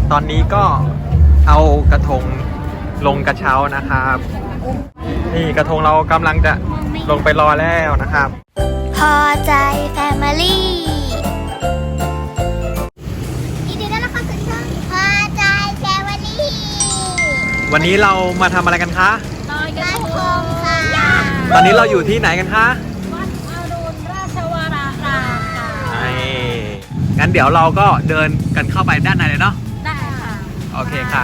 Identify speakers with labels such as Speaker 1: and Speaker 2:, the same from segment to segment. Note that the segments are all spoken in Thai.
Speaker 1: ตอนนี้ก็เอากระทงลงกระเช้านะครับนี่กระทงเรากำลังจะลงไปรอแล้วนะครับ
Speaker 2: พอใจแฟมิลี่ยินดีต้อนรับเข้าสู่ช่องพอใจแฟมิลี่
Speaker 1: วันนี้เรามาทำอะไรกันคะ
Speaker 2: ลอยกระทงค่ะ
Speaker 1: ตอนนี้เราอยู่ที่ไหนกันคะ
Speaker 2: วัดอรุณราชวรารามค่ะ
Speaker 1: งั้นเดี๋ยวเราก็เดินกันเข้าไปด้านในเลยเนาะ
Speaker 2: ได้ค่ะ
Speaker 1: โอเคค่ะ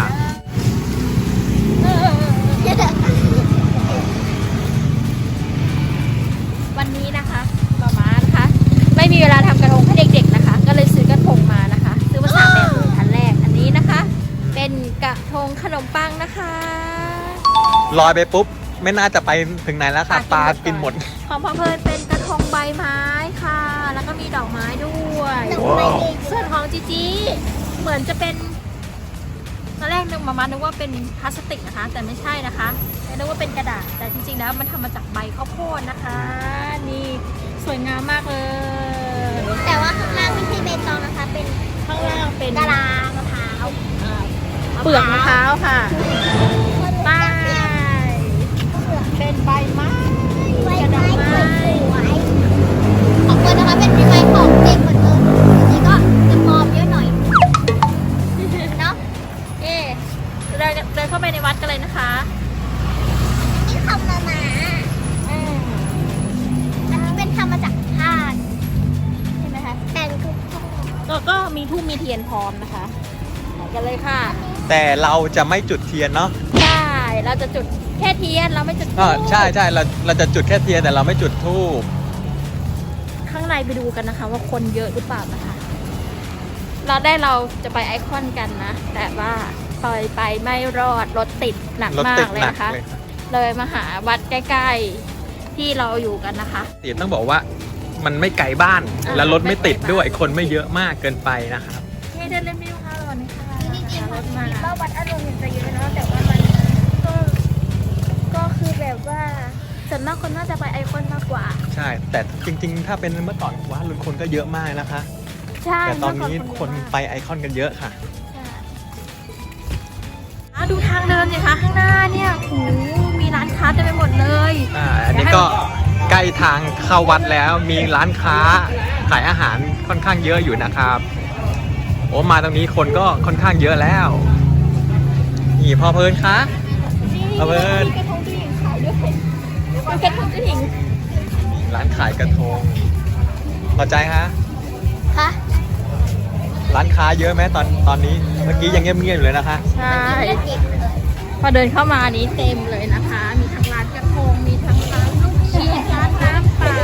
Speaker 3: วันนี้นะคะป๊าม้านะคะไม่มีเวลาทำกระทงให้เด็กๆนะคะก็เลยซื้อกระทงมานะคะซื้อมา3 แบบเลยอันแรกอันนี้นะคะเป็นกระทงขนมปังนะคะ
Speaker 1: ลอยไปปุ๊บไม่น่าจะไปถึงไหนแล้วค่ะปลากินหมด
Speaker 3: ของพ่อเพลินเป็นกระทงใบไม้ค่ะแล้วก็มีดอกไม้ด้วยส่วนของจีจีเหมือนจะเป็นตอนแรกนึกมานึกว่าเป็นพลาสติกนะคะแต่ไม่ใช่นะคะนึกว่าเป็นกระดาษแต่จริงๆแล้วมันทำมาจากใบข้าวโพดนะคะนี่สวยงามมากเลย
Speaker 2: แต่ว่าข้างล่างไม่ใช่เบตองนะคะเป็น
Speaker 3: ข้างล่างเป็น
Speaker 2: กะลามะพร้าว
Speaker 3: เปลือกมะพร้าวค่ะป้ายเป็นใบไม้
Speaker 2: ใบไม้สวยๆของเพื่อนนะคะเป็นใบไม้ของเด็กเหมือนเดิมนี่ก็จะมอมเยอะหน่อยเนาะ
Speaker 3: เดินเข้าไปในวัดกันเลยนะคะ
Speaker 2: นี่ทำมาอันนี้เป็นทำมาจากผ้าใช่ไหมคะแต่
Speaker 3: ก็มีทูบมีเทียนพร้อมนะคะไปกันเลยค่ะ
Speaker 1: แต่เราจะไม่จุดเทียนเนาะ
Speaker 3: ใช่เราจะจุดแค่เทียนเราไม่จุดธูป
Speaker 1: ใช่เราจะจุดแค่เทียนแต่เราไม่จุดธูป
Speaker 3: ข้างในไปดูกันนะคะว่าคนเยอะหรือเปล่านะคะเราจะไปไอคอนกันนะแต่ว่าไปไม่รอดรถติดหนักมากเลยนะคะเลยมาหาวัดใกล้ๆที่เราอยู่กันนะคะ
Speaker 1: ติดต้องบอกว่ามันไม่ไกลบ้านแล้วรถไม่ติดด้วยคนไม่เยอะมากเกินไปนะครับ
Speaker 3: เดินเล่นไม่รู้ค่ะรถนี่ค่ะ
Speaker 2: จริงๆรถมาว่าวัดอรุณจะเยอะเนาะแต่ว่ามันก็คือแบบว่าส่วนมากคนน่าจะไปไอคอนมากกว่า
Speaker 1: ใช่แต่จริงๆถ้าเป็นเมื่อก่อนวัดอรุณคนก็เยอะมากนะคะ
Speaker 3: ใช่
Speaker 1: แต่ตอนนี้คนไปไอคอนกันเยอะค่ะ
Speaker 3: ดูทางเดินสิคะข้างหน้าเนี่ยโอ้มีร้านค้าเต็มไปหมดเลย
Speaker 1: อันนี้ก็ใกล้ทางเข้าวัดแล้วมีร้านค้าขายอาหารค่อนข้างเยอะอยู่นะครับโอ้มาตรงนี้คนก็ค่อนข้างเยอะแล้วนี่พ่อเพลินคะพ่อเพลิน
Speaker 3: กระทงผู้หญิงขายด้วยกระทงผู้หญิง
Speaker 1: ร้านขายกระทงพอใจฮะ
Speaker 2: ค่ะ
Speaker 1: ร้านค้าเยอะไหมตอนนี้เมื่อกี้ยังเงียบๆอยู่เลยนะคะ
Speaker 3: ใช่พอเดินเข้ามานี้เต็มเลยนะคะมีทั้งร้านกระทงมีทั้งร้านลูกชิ้นร้านน้ำปั่น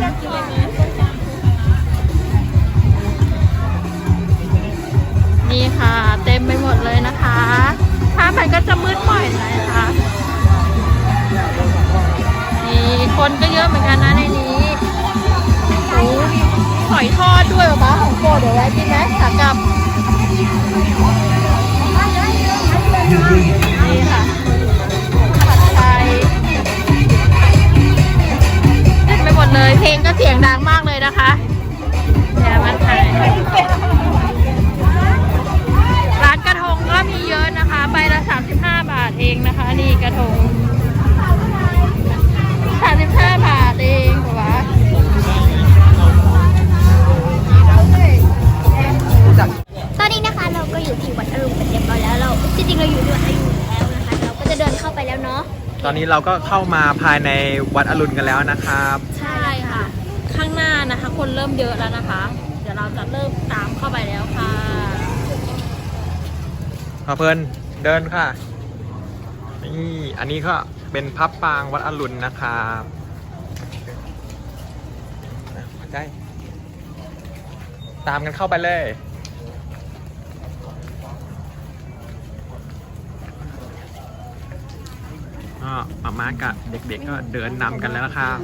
Speaker 3: นี่ค่ะเต็มไปหมดเลยนะคะถ้ามันก็จะมืดหน่อยนะคะนี่คนก็เยอะเหมือนกันนะในนี้โอ้หอยทอดด้วยป่ะของโปรดเดี๋ยวไว้กินไหมขากลับนี่ค่ะผัดไทยเต็มไปหมดเลยเพลงก็เสียงดังมากเลยนะคะเดี๋ยวมันถ่ายร้านกระทงก็มีเยอะนะคะใบละ35 บาทเองนะคะนี่กระทง35 บาทเองเหรอวะ
Speaker 2: ตอนนี้นะคะเราก็อยู่ที่วัดอรุณเป็นเรียบร้อยแล้วเราจริงๆเราอยู่ที่วัดอรุณแล้วนะคะเราก็จะเดินเข้าไปแล้วเนาะ
Speaker 1: ตอนนี้เราก็เข้ามาภายในวัดอรุณกันแล้วนะครับ
Speaker 3: ใช่ค่ะข้างหน้านะคะคนเริ่มเยอะแล้วนะคะเดี๋ยวเราจะเริ่มตามเข้าไปแล้วค่ะ
Speaker 1: พอเพลินเดินค่ะนี่อันนี้ก็เป็นพับปางวัดอรุณนะครับใกล้ตามกันเข้าไปเลยมาม่ากับเด็กๆก็เดินนำกันแล้วนะครับ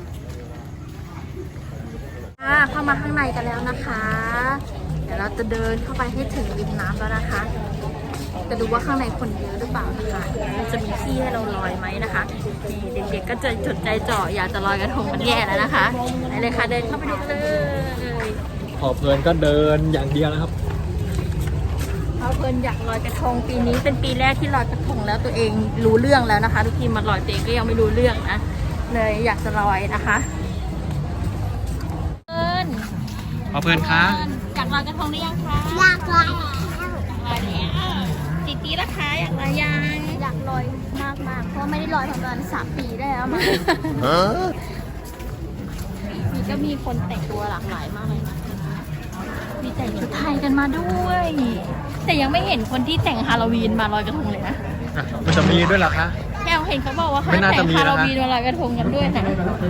Speaker 3: เข้ามาข้างในกันแล้วนะคะเดี๋ยวเราจะเดินเข้าไปให้ถึงริมน้ำแล้วนะคะจะดูว่าข้างในคนเยอะหรือเปล่านะคะจะมีที่ให้เราลอยไหมนะคะนี่เด็กๆก็จะจดใจจ่ออยากจะลอยกระทงกันแย่แล้วนะคะไปเลยค่ะเดินเข้าไปดูเลย
Speaker 1: พอเพลินก็เดินอย่างเดียวนะครับ
Speaker 3: เอาเพลินอยากลอยกระทงปีนี้เป็นปีแรกที่ลอยกระทงแล้วตัวเองรู้เรื่องแล้วนะคะทุกทีมาลอยตัวเองก็ยังไม่รู้เรื่องนะเลยอยากจะลอยนะคะ
Speaker 1: เพลินคะ
Speaker 3: อยากลอยกระทงหรือยังคะ
Speaker 2: อยากลอย
Speaker 3: ลอยแล้วตีตีละคะอยากลอยยัง
Speaker 2: อยากลอยมากๆเพราะว่าไม่ได้ลอยประมาณ3 ปีได้แล้วมา
Speaker 3: มีก็มีคนแต่งตัวหลากหลายมากเลยนะมีแต่งชุดไทยกันมาด้วย แต่ยังไม่เห็นคนที่แต่งฮาโลวีนมาลอยกระทงเลยนะ
Speaker 1: มันจะมีด้วยเหรอคะ
Speaker 3: แกเห็นเขาบอกว่าเขา
Speaker 1: ไม่น่า
Speaker 3: แต่
Speaker 1: จะ
Speaker 3: ง
Speaker 1: มี
Speaker 3: ฮา
Speaker 1: นะ
Speaker 3: โลวีนมาลอยกระทงกันด้วยนะ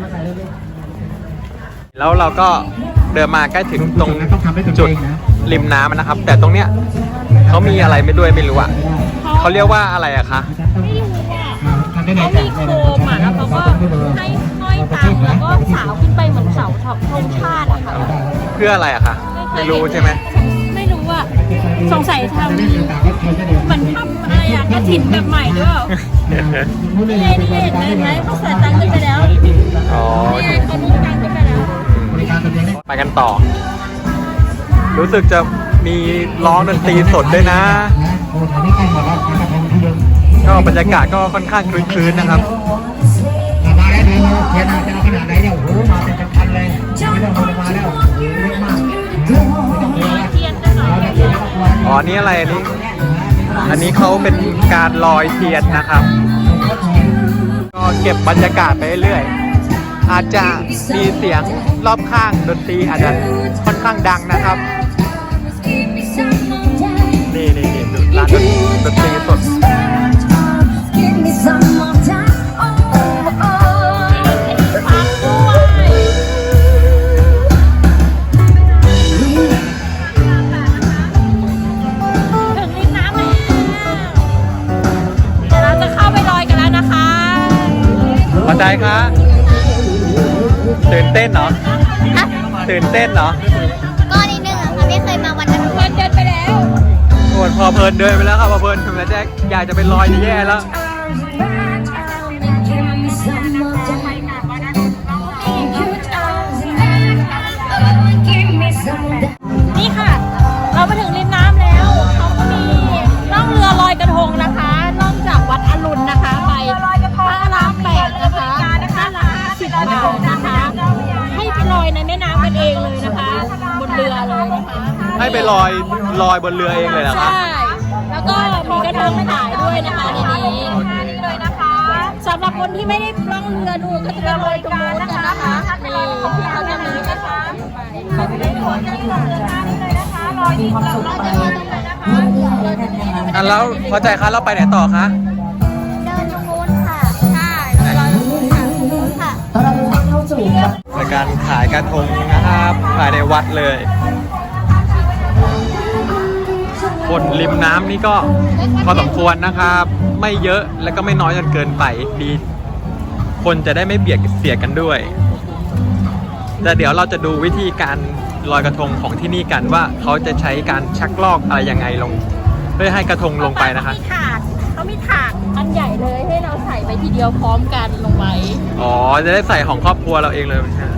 Speaker 1: แล้วเราก็เดินมาใกล้ถึงตรงจุดริมน้ำนะครับ แต่ตรงเนี้ยเขามีอะไรไม่ด้วยไม่รู้อ่ะเขาเรียกว่าอะไรอะคะ
Speaker 3: ไม่รู้อ่ะเขามีโคมอ่ะแล้วเขาก็ให้ห้อยตังแล้วก็สาวขึ้นไปเหมือนเสาธงชาติอะค่ะ
Speaker 1: เพื่ออะไรอะคะไม่รู้ใช่ไหม
Speaker 3: ไม่รู้อ่ะสงสัยทำเหมือนทำอะไรอะกระถิ่นแบบใหม่หรือเปล่านี่ไงนี่ไงเห็นไหมเขาใส่ตังขึ้นไปแล้ว
Speaker 1: อ๋อ
Speaker 3: นี่ไงเขาลูกตังขึ้นไปแล้ว
Speaker 1: ไปกันต่อ รู้สึกจะมีร้องดนตรีสดด้วยนะ ก็บรรยากาศก็ค่อนข้างคลึ้นๆนะครับ
Speaker 4: มาแล้วดูเทียนจะเอาขนาดไหนเนี่ยโอ้โหมาเป็นพันเลยไม่ต้องมาแล้วเยอะมาก
Speaker 3: เทียนกันหน่อย
Speaker 1: อ๋อ นี่อะไรอันนี้ อันนี้เขาเป็นการลอยเทียนนะครับ ก็เก็บบรรยากาศไปเรื่อยๆอาจจะมีเสียงรอบข้างดนตรีอาจจะค่อนข้างดังนะครับ นี่ดูร้านดนตรีสด
Speaker 3: ถึงริมน้ำแล้วเดี๋ยวเราจะเข้าไปลอยกันแล้วนะคะ
Speaker 1: พอใจคะตื่นเต้นเหรอ
Speaker 2: ฮะ
Speaker 1: ตื่นเต้นเหรอ
Speaker 2: ก็นิดนึงอะค่ะไม่เคยมาวันกระทง
Speaker 3: เดินไปแล้ว
Speaker 1: โอ้พอเพลินเดินไปแล้วครับพอเพลินถึงแล้วแจ๊คอยากจะไปลอยจะแย่แล้ว
Speaker 3: นี่ค่ะ เรามาถึงริมน้ำแล้วเขาก็มีล่องเรือลอยกระทงนะคะล่องจากวัดอรุณนะคะไปพระราม8นะคะพระราม10บาทนะคะ ให้ไปลอยในแม่น้ำกันเองเลยนะคะ บนเรือเลยนะคะ
Speaker 1: ให้ไปลอยบนเรือเองเลยเหรอครับ
Speaker 3: ใช่ แล้วก็มีกระทงขายด้วยนะคะในนี้เลยนะคะสำหรับคนที่ไม่ได้ล่องเรือดูก็จะไปลอยตรงนู้นกันนะคะนี่ที่เขาจะมีนะคะมีความสุขไป
Speaker 1: อ่ะแล้วพอใจคะเราไปไหนต่อคะ
Speaker 2: เดินตรงนู้นค่ะ
Speaker 3: ใช่ลอยตรงนู้นค่ะ
Speaker 2: ค่ะ
Speaker 1: ในการขายกระทงนะครับภายในวัดเลยบนริมน้ำนี่ก็พอสมควรนะครับ ไม่เยอะและก็ไม่น้อยจนเกินไปดี คนจะได้ไม่เบียดเสียดกันด้วยแต่เดี๋ยวเราจะดูวิธีการลอยกระทงของที่นี่กันว่าเขาจะใช้การชักลอกอะไรยังไงลง เพื่อให้กระทงลงไปนะคะ
Speaker 3: เขามีถาดอันใหญ่เลยให้เราใส่ไปทีเดียวพร้อมกันลงไป
Speaker 1: อ๋อจะได้ใส่ของครอบครัวเราเองเลยใช่ไหม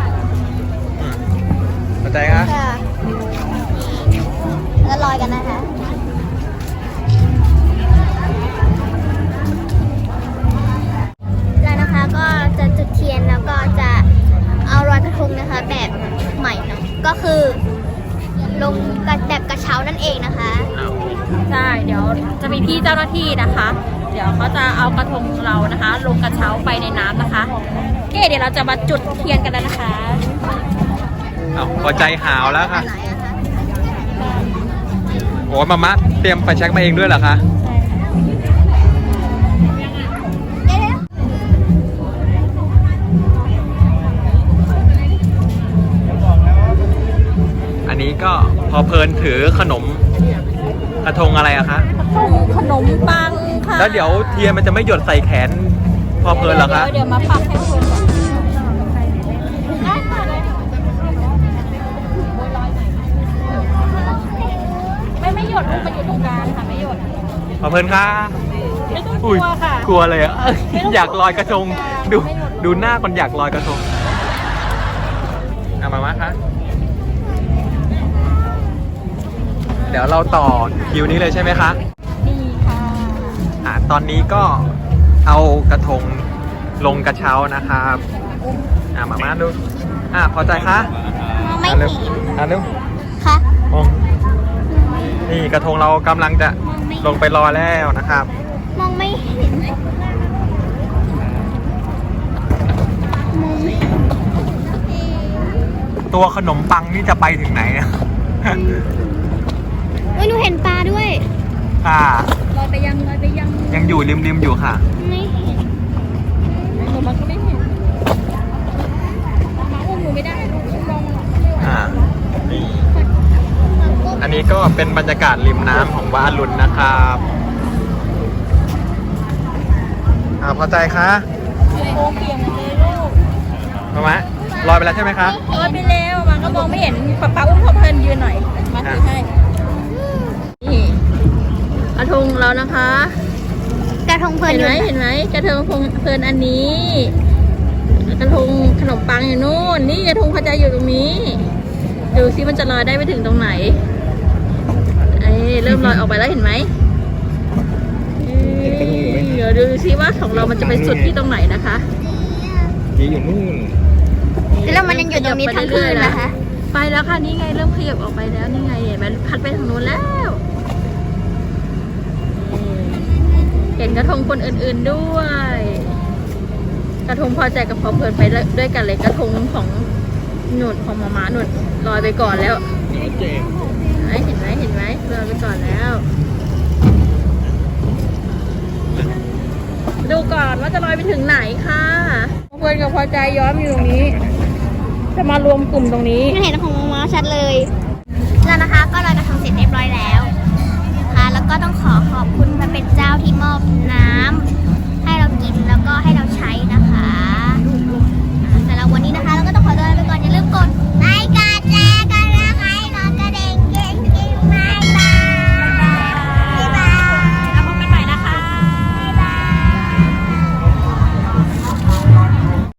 Speaker 1: เข้าใจครับ
Speaker 2: ค่ะแล้วลอยกันนะคะแล้วนะคะก็จะจุดเทียนแล้วก็จะเอาลอยกระทงนะคะแบบใหม่เนาะก็คือลงแบบกระเช้านั่นเองนะคะ
Speaker 3: ใช่ เดี๋ยวจะมีพี่เจ้าหน้าที่นะคะ เดี๋ยวเขาจะเอากระทงเรานะคะ ลงกระเช้าไปในน้ำนะคะโอเคเดี๋ยวเราจะมาจุดเทียนกันแล้วนะคะ
Speaker 1: อ้าวพอใจหาวแล้วค่ะ
Speaker 2: ไหนอะคะ
Speaker 1: โอ้มามะเตรียมไฟแช็กมาเองด้วยเหรอคะ
Speaker 3: ใช่ค่ะ
Speaker 2: เดี๋ยว
Speaker 1: อันนี้ก็พอเพลินถือขนมกระทงอะไรอะคะ
Speaker 3: ขนมปังค่ะ
Speaker 1: แล้วเดี๋ยวเทียนมันจะไม่หยดใส่แขนพอเพลินเหรอคะ
Speaker 3: เดี๋ยวมาปักให้เพลินก่อนได้ค่ะได้ค่ะไม่หยดลูกมันอยู่ตรงกลางค่ะไม่หยด
Speaker 1: พอเพลินค่ะ
Speaker 3: ไม่ต้องก
Speaker 1: อุ้ย
Speaker 3: ลัวค่ะ
Speaker 1: กลัวเลยอะ อยากลอยกระทงดูหน้าคนอยากลอยกระทงมามะคะเดี๋ยวเราต่อคิวนี้เลยใช่ไหมคะ
Speaker 3: นี่ค่ะ
Speaker 1: ตอนนี้ก็เอากระทงลงกระเช้านะครับมาดูพอใจคะ
Speaker 2: มองไม่
Speaker 1: เร็ว
Speaker 2: เห็น
Speaker 1: เร็ว
Speaker 2: ค่ะ
Speaker 1: มองนี่กระทงเรากำลังจะลงไปรอแล้วนะครับ
Speaker 2: มองไม่เห็นมองไม่เห็น
Speaker 1: ตัวขนมปังนี่จะไปถึงไหนอะ
Speaker 2: เฮ้ยหนูเห็นปลาด้วย
Speaker 1: ค่ะ
Speaker 3: ลอยไปยัง
Speaker 1: ยังอยู่ริมๆอยู่ค่ะ
Speaker 2: ไม่เห็น
Speaker 3: มันก็ไม่เห็นมาอุ้มหนูไม่ได้ลูกมองหรอก
Speaker 1: นี่อันนี้ก็เป็นบรรยากาศริมน้ำของบ้านอรุณนะครับพอใจคะ
Speaker 3: โอ้เปียกหมดเลยลูก
Speaker 1: มาไหมลอยไปแล้วใช่ไหมคะ
Speaker 3: ลอยไปแล้วมันก็มองไม่เห็นป๊าอุ้มเขาเพลินยืนหน่อยมาถือให้นี่กระทงเรานะคะ
Speaker 2: กระทงเพลิน
Speaker 3: เห็น
Speaker 2: อยู่
Speaker 3: ไหมเห็นไหมกระทงเพลินอันนี้กระทงขนมปังอยู่นู่นนี่กระทงพระจันทร์อยู่ตรงนี้ดูซิมันจะลอยได้ไปถึงตรงไหนเริ่มลอยออกไปแล้วเห็นไหมเดี๋ยวดูซิว่าของเรามันจะไปสุดที่ตรงไหนนะคะ
Speaker 1: ยีอยู่นู่น
Speaker 2: แล้วมันยังอยู่ตรงนี้ทั้งคืนนะคะ
Speaker 3: ไปแล้วค่ะนี่ไงเริ่มขยับออกไปแล้วนี่ไงเห็นไหมพัดไปทางนู้นแล้วเห็นกระทงคนอื่นๆด้วย กระทงพอใจกับพอเพลินไปด้วยกันเลยกระทงของหนุนของมาหนุนลอยไปก่อนแล้วเห็นไหมลอยไปก่อนแล้ว ดูก่อนว่าจะลอยไปถึงไหนค่ะเพลินกับพอใจย้อมอยู่ตรงนี้ จะมารวมกลุ่มตรงนี้
Speaker 2: เห็นของมาชัดเลยแล้วนะคะ ก็ลอยกระทงเสร็จเรียบร้อย